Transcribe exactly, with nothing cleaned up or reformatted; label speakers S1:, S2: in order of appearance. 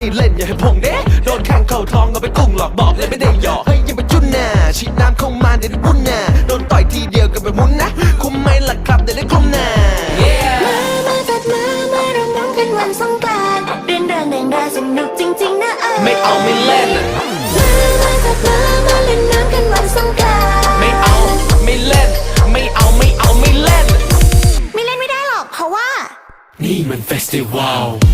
S1: เล่นอย่าให้พงเด้โดนแข่งเข่าทองเอาไปกุ้งหลอกบอกเลยไม่ได้หยอกเฮ้ยยังไปจุนน่ะฉีดน้ำเข้ามาเดี๋ยวได้บุญน่ะโดนต่อยทีเดียวกันไปมุนนะคุ้มไหมล่ะครับเดี๋ยวได้คลุมน่ะ
S2: มามาจัดมามาร้องร้องกันวันสงกรานต์เรียนเรื่องเด่นดาสนุกจริงๆนะเออ
S1: ไม่เอาไม่เล่น
S2: มามาจัดมามาเล่นน้ำกันวันสงกรานต์
S1: ไม่เอาไม่เล่นไม่เอาไม่เอาไม่เล่น
S2: ไม่เล่นไม่ได้หรอกเพราะว่า
S1: นี่มันเฟสติวัล